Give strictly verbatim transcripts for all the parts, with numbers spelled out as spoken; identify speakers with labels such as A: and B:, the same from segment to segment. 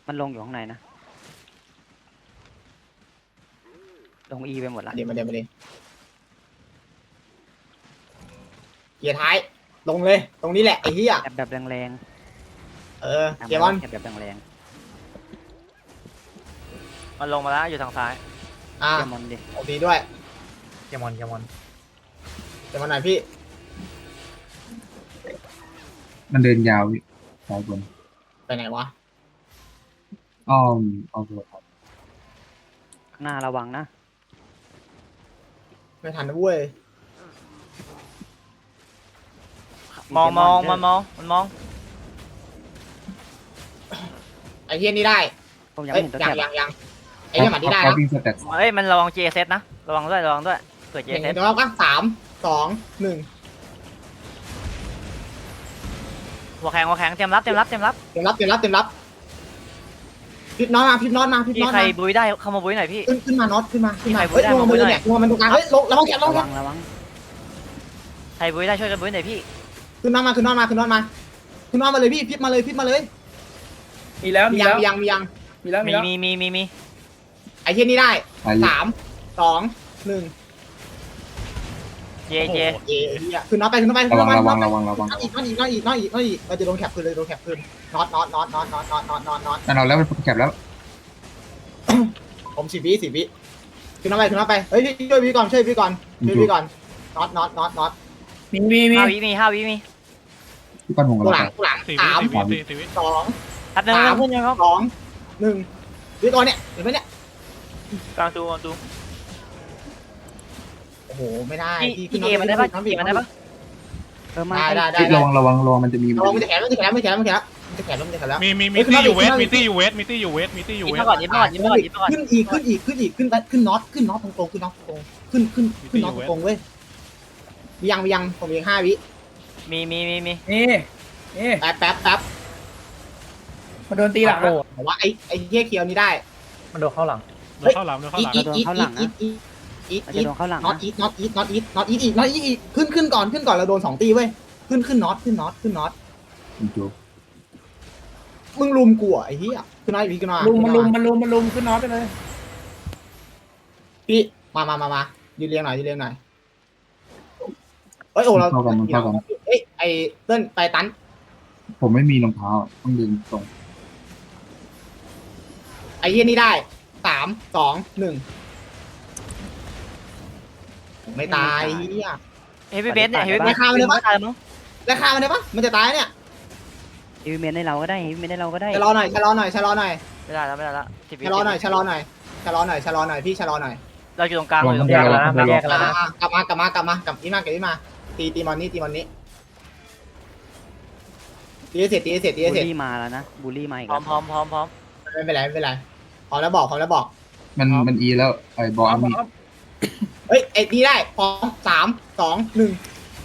A: มันลงอยู่ข้างในนะลงอีไปหมดละ
B: เดี๋ยวมาเดี๋ยวมาเดี๋ยวเกียร์ท้ายลงเลยตรงนี้แหละไอ้เหี้ย
A: แอบแบบแรง
B: เออ
A: ๆ
B: เกียร์บอล
A: แอบแบบแรง
C: มันลงมาแล้วอยู่ทางซ้าย
B: อ่า
A: ๆเกมมอนดิ
B: โอเคด้วย
D: เกมอนเกมอน
B: เดี๋ยวมาหน่อยพี่
E: มันเดินยาวพี่สายบน
B: ไปไหนวะ
E: อ้อมอ้อมรถครับ
A: ข้างหน้าระวังนะ
B: ไม่ทันนะเว้ย
C: มองมองมันมองมันมอง
B: ไอ้เหี้ยนี่ได้
A: ผมยัง
B: เอ้
A: ไม่
B: ย
A: เห็นตัว
B: ยั
A: แค
B: ง
A: บ
B: ยังยังไอ้เหี้ยหมัดนี่ได้
E: เขา
B: นะ
E: วิ่งสเต็ป
C: เอ้ยมันระวัง เจ เอส นะระวังด้วยระวังด้วยเกิด เจ
B: เห็น
C: เอส
B: เดี๋ยวเราก็สามสองหนึ่ง
C: หัวแข็งหัวแข็งเตรียมรับเตรียมรับเตรียมรับ
B: เต็มรับเต็มรับเต็มรับพิบน็อตมาพิบน็อตมาพิบ
C: มี
B: น็อต
C: ใคร
B: มา
C: บุยได้เข้ามาบุยหน่อยพี่
B: ขึ้นขึ้นมาน็อตขึ้นมาขึ้นมา
C: มีใคร
B: เฮ้ย
C: ได้
B: ลงมา
C: มา
B: มือ
C: หน่อย
B: เนี่ยลงมามันตรงกลางเฮ้ยลงระวังแขนระวัง
A: ระ
B: แข
A: วัน งระวัง
C: ใครบุยได้ช่วยกันบุยหน่อยพี่
B: ขึ้นน็อตมาขึ้นน็อตมาขึ้นน็อตมาขึ้นน็อตมาเลยพี่พิบมาเลยพิบมาเลย
D: มีแล้ว
B: มี
D: มี
B: ยัง
D: แล้ว
B: มียังมียัง
D: มีแล้วมี
C: มี
D: แล้ว
C: มีมีมีมี
B: ไอ้เหี้ยนี่ได้
E: ไปอยู่
B: สามสองหนึ่ง
C: เจเจ
B: โอ้โหเย้เหี้ยขึ้นน็อตไปขึ้นน็อตไปขึ้
E: ระ
B: นน็
E: วั
B: อง ตไประ
E: วังระวังระวัง
B: น็อตอีกน็อตอีกน็อตอีกน็อตอีกน็อตอีกเราจะโดนแคปขึ้นเลยโดนแคปขึ้นน็อตน็อตน็อตน็อตน็อตน็อตน็อตน็อตน็อต
E: แต่เราแล้วมันแคบแล้ว
B: ผมสิบวิสิบวิขึ้นน็อตไปขึ้นน็อตไปเฮ้ยช่วยพี่ก่อนช่วยพี่ก่อนช่วยพี่ก่อนน็อตน็อตน็อตน็อต
D: มีมีมี
C: ห้าวิมีห้าวิมี
E: ที่ก้อนหงกับ
B: ตัว
E: เรา
B: หลังตัวหลัง
F: สี่
B: สาม
F: วิสี่วิสี่วิ
B: สอง
C: ทับหนึ่ง
B: สาม
C: เพื่อนยังครับ
B: สองหนึ่งพี่ก่อนเนี่ยเห็นไหมเนี่ย
C: กลางตูกลางตู
B: โอ้โหไม่ได้
C: พี่
B: พี่
C: พี่เอมันได้ปะ
B: น้อง
C: พี่มันได้ปะ
A: เออมา
B: ได้ได้ได้
E: ที่ระวังระวังระวังมันจะมี
B: ระวังมันจะแขนมันจะแขนมันจะแขนมันจะแขนมันจะแขนมันจะแขนแล้ว
F: มีมีมีตี้อยู่เวสมีตี้อยู่เวสมีตี้อยู่เวสมีตี้อยู่
C: ยิ้ม
F: เว
C: มา
F: ส
C: ก่อนยิ้มมาก่อนยิ้มมาก่อนยิ้มมาก่อน
B: ขึ้นอีกขึ้นอีกขึ้นอีกขึ้นขึ้นน็อตขึ้นน็อตตรงๆขึ้นน็อตตรงขึ้นขึ้นขึ้นน็อตตรงเว้ยมียังมียังผมยังห้าวิ
C: มีมีมีมี
D: นี่นี่
B: แป๊บแป๊บแป๊บ
D: มาโดนตีหลัง
B: ผมว่าไอ้ไอ้เหี้ยเคียวนี่ได้
D: มันโดนเข้าหลัง
F: เดินเข้าหลังเดินเข้า
B: อี
F: ห
B: ท
F: ลัง
B: อีทอีทอีทอีทอีทอีท
A: เรา
B: อี
A: จะ
B: ท
A: โดนเข้าหลัง
B: น็อต
A: นะ
B: อีทน็อตอีทน็อตอีทน็อตอีทอีกน็อตอีทอีกขึ้นขึ้นก่อนขึ้นก่อนเราโดนสองตีเว้ยขึ้นขึ้นน็อตขึ้นน็อตขึ้นน็อต
E: จู
B: มึงลุมกูอ่ะไอ้เหี้ยขึ้นน็อตอีกขึ้นน็อต
D: ลุมมันลุมมันลุมมันลุมขึ้นน็อตไปเลย
B: พี่มามามามายืนเรียงหน่อยยืนเรียงหน่อยเอ้ยโอ้เรา
E: เข้ากันมันเข้ากัน
B: เอ้ยไอ้เติ้ลไปตัน
E: ผมไม่มีรองเท้าต้องเดินตรง
B: ไอ้เหี้ยนี่ได้สามสองหนึ่งไม่ตายเหี้ย
C: เฮฟวี่เบสเนี่ยเฮฟวี่เบส
B: ราคามันเลยปะ
C: ตายแล้วมั้ง
B: ราคามันได้ปะมันจะตายเนี่ย
A: เฮฟวี่เมนให้เราก็ได้เฮฟวี่เมนให้เราก็ได้
B: ชะลอหน่อยชะลอหน่อยชะลอหน่อย
C: ไม่ได้แล้วไม่ได้แล้วสิบวิ
B: ชะลอหน่อยชะลอหน่อยชะลอหน่อยชะลอหน่อยพี่ชะลอหน่อย
C: เราอยู่ตรงกลางเราอยู่ตรง
D: แย
C: กลาง
D: กแล้วนะแยกแล้วนะ
B: อ่ากลับมากลับมากลับมากลับอีมากลับอีมาตีตีมอนนี่ตีมอนนี่ตีให้เสร็จตีให้เสร็จตี
A: บู
B: ให้
A: ล
B: เสร็จ
A: ลี่มาแล้วนะบูลลี่มาอีก
C: พร้อ
A: แล้
C: ม
A: ว
C: พร้อมพร้อมพร้อม
B: ไม่เป็นไรไม่เป็นไรพอแล้วบอกพอแล้วบอก
E: มันมันอีแล้วไอ้บอลมี
B: เฮ้ยไอ้นี่ได้พร้อมสามสองหนึ่ง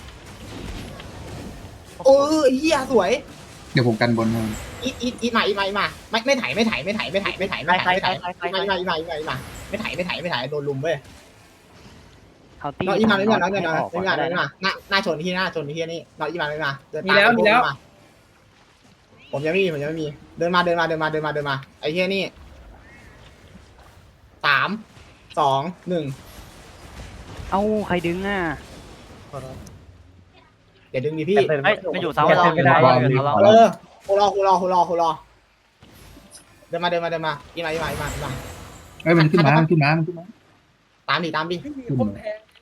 B: โอ้ยเหี้ยสวย
E: เดี๋ยวผมกันบนให้
B: อีทอีทอีทมาอีทมาอีทมาไม่ไม่ถ่ายไม่ถ่ายไม่ถ่ายไม่ถ่ายไม่ถ่าย
C: ใคร
B: ไม่
C: ใคร
B: ถ่าย
C: ใคร
B: ไม่
C: ใคร
B: ถ่าย
C: ใคร
B: อีทมาอีทมาอีทมาอีทมาไม่ถ่ายไม่ถ่ายไม่ถ่ายโดนลุมเว้ย
A: เขาตี
B: น้องอีมาเลยน้องอีมา
A: ให้
B: น้อง
A: ออกก่
B: อี
A: อน
B: มา
A: ก็
B: น้
A: ได้
B: องอี
A: นะ
B: มาหน้าหน้าชนที่หน้าชนที่นี่น้องอีมาเลยมาเดิน
D: มีแล้วมีแล้ว
B: ผมยังไม่มีผมยังไม่มีเดินมาเดินมาเดินมาเดินมาเดินมาไอ้เหี้ยนี่สามสองหนึ่ง
A: เอ้าใครดึงอ่ะ
B: เดี๋ยวดึงดิพี่
C: เฮ้ยมันอยู่เสาเราอยู่
D: ไม่ได้
C: เสาเราอยู่เสาเรา
B: เออโครอโครอโครอโครอเดินมาเดินมาเดินมาอีมาอีมาอีมาอีมา
E: เอ้ยมันขึ้นมามันขึ้นมามันขึ้นมา
B: ตามดิตามดิ
E: ขึ้นมา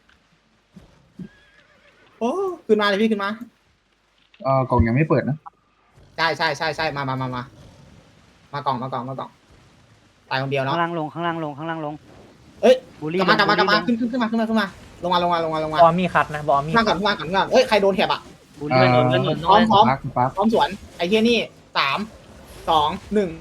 B: โอ้ขึ้นมาเลยพี่ขึ้นมา
E: เอ่อกล่องยังไม่เปิดนะ
B: ใช่ใช่ใช่ใช่มามามามา มากล่องมากล่องมากล่องตายคนเดียวเนาะ
A: ข้างล่างลงข้างล่างลงข้างล่างลง
B: เอ้ย
A: บูลลี่
B: กลับมากลับมากลับมา
A: ลง
B: ขึ้นขึ้นขึ้นมาขึ้นมาขึ้นมาลงมาลงมาลงมาลงมา
D: บอมมีคัดนะบอมมี
B: ขึ้นมาก่อนขึ้นมาก่อนขึ้นมาเอ้ยใครโดนแถบอ่ะ
A: บูล
E: เอ่
A: ลี่
E: อ
C: เงินหนุน
B: พร้อมพร้อม
E: ปั๊บปั๊บ
B: พร้อมสวนไอ้เฮียนี่สามสองหนึ่ง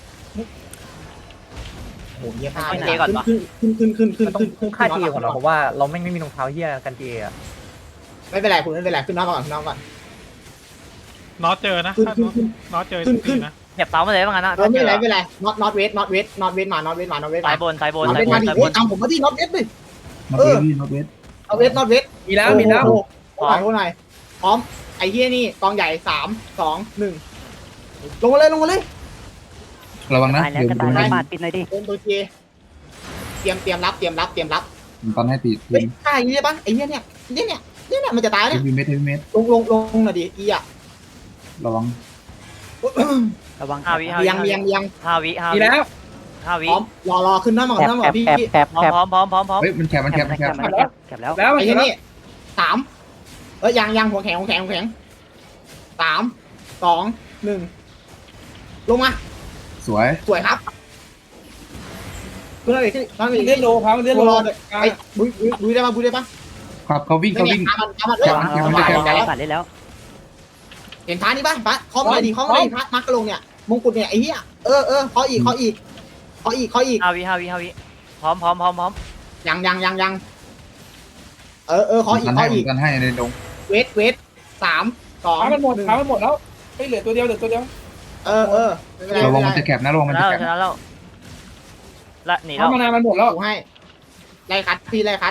B: โอ้โหเยี่ยมมากขึ้นขึ้นขึ้นขึ้น
D: มันต้อ
B: ขึ้
D: ง
B: นขึ้น
D: ค่าทีก่อนเนาะเพราะว่าเราไม่ไม่มีรองเท้าเหี้ยกันเจอ่ะ
B: ไม่เป็นไรคุณไม่เป็นไรขึ้นน้องก่อนขึ้นน้องก่อน
F: น็อตเจอนะ
B: ขึ้น
F: ถ้า
B: ขึ้นขึ้น
F: น็อตเจอ
B: ขึ้นขึ้
F: ตี
B: น
F: นะ
C: เหยียบเสามาเลยว่างั้นนะ
B: เออไม่เป็นไรไม่เป็นไร not not wait not wait not wait มา not wait มา not wait
C: สา
B: มา
C: ยบนสายบน
B: not
C: สาย
B: wait
C: บ
B: มาน ดิ
C: สายบ
B: โอ้ย
C: น
B: ตามผมมาที่ not wait ดิ
E: นอตเวสพี่นอตเวส
B: not wait not wait
D: มีแล้วมีแล้ว
B: โอ้โหโอ้โหหน่อยพร้อมไอ้เฮียนี่กองใหญ่สามสองหนึ่งลงมาเลยลงมาเลย
E: ระวังนะ
A: ตายแล้ว
E: เดี๋ยว
A: จะ
E: ดู
A: ตาย
E: นะ
A: แล้วบาดปิดหน่อยดิ
B: โดนตัวเจเตรียมเตรียมรับเตรียมรับเตรียมรับ
E: ผมตอนให้ตี
B: เฮ้ยฆ่าอย่างนี้ได้ปะไอ้เนี่ยเนี่ยเนี่ยเนี่ยเนี่ยเนี่ยมันจะตาย
E: เฮ
B: เนี่ย
E: ฟวีเมทเฮฟวีเมท
B: ลงลงลงหน่อยดิอีอ่ะ
E: ระวัง
A: ระวัง
C: ห้าวิห้า
B: เบี
C: วิ
B: ยงเบียงเบียง
C: ห้าวิห้า
D: ดี
C: วิ
D: แล้ว
C: ห้าวิ
B: พร้อมรอรอขึ้นหน้าหมอ
A: แคบ
B: หน้าหม
A: แค
B: อบ พี่
A: แคบ
B: พี่
A: แคบ
C: พร้อ
A: แค
C: ม
A: บ
C: พร้อมพร้อมพร้อมพร้อม
E: เฮ้ยมันแคบมัน
A: แค
E: แค
A: บบ
E: มัน
A: แค
E: แค
A: บบ แคบแคบแล้ว
D: แล้ว
B: ไอ้
D: เห็นแล้ว
B: นี่สามเอ้ยยังยังหัวแข็งหัวแข็งหัวแข็งสามสองหนึ่งลงมา
E: สวย
B: สวยครับขึ้นเลยขึ้นขึ้นเลย
D: เลื่อนโลครับเลื่อนโล
B: รอเลยไอ้บุยบุยบุยได้ปะบุยได้ปะ
E: ครับเขาวิ่ง
B: ไม่
E: เขา
B: เนี่
E: วิ่
B: ย
E: ง
B: ตามมันตามมันเอ้ย
A: ระวังระวัง
E: แคบ
A: ระวังบาดได้แล้ว
B: เห็นท้านี่ปะปะเคาะเลยดิเคาะเลยพักมักกระลงเนี่ยมงกุฎเนี่ยไอ้เหี้ยเออเออเคาะอีกเคาะอีกเคาะอีกเคาะอีก
C: ห้าวิห้าวิห้าวิพร้อมพร้อมพร้อมพร้อม
B: ยังยังยังยังเออเออเคาะอี
E: กั
B: ก
E: นให้
B: เคาะอีก
E: กันให้ในดง
B: เวทเวทสามสอง
D: ขามันหมด
B: นึ่ง
D: ขามันหมดแล้วไม่เหลือตัวเดียวเหลือตัวเดียว
B: เออเออไม่เป็นไร
E: ระวั
B: ไม่
E: ง
B: เป็น
E: มัน
B: ไร
E: จะแคบนะระวัง
C: ช
E: มัน
C: นะ
E: จะ
C: แล้ว
E: แคบ
C: ชนะแล้วละหนี
D: ขา
C: แล้ว
D: มานานมันหมดแล้ว
B: กูให้ไล่คัดพี่ไล่คัด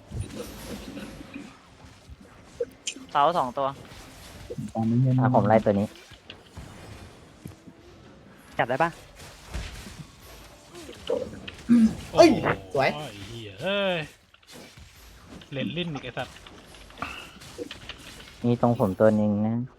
C: เสาสองตัว
E: ตามนี้เงี้ย
A: อ่ะผมไล่ตัวนี้จับได้ปะ
B: เอ้ยสวย
F: โอ้เหี้ยเอ้ยเล่นลิ้นอีกไอ้สัตว์
A: มีตรงผมตัวนึงนะ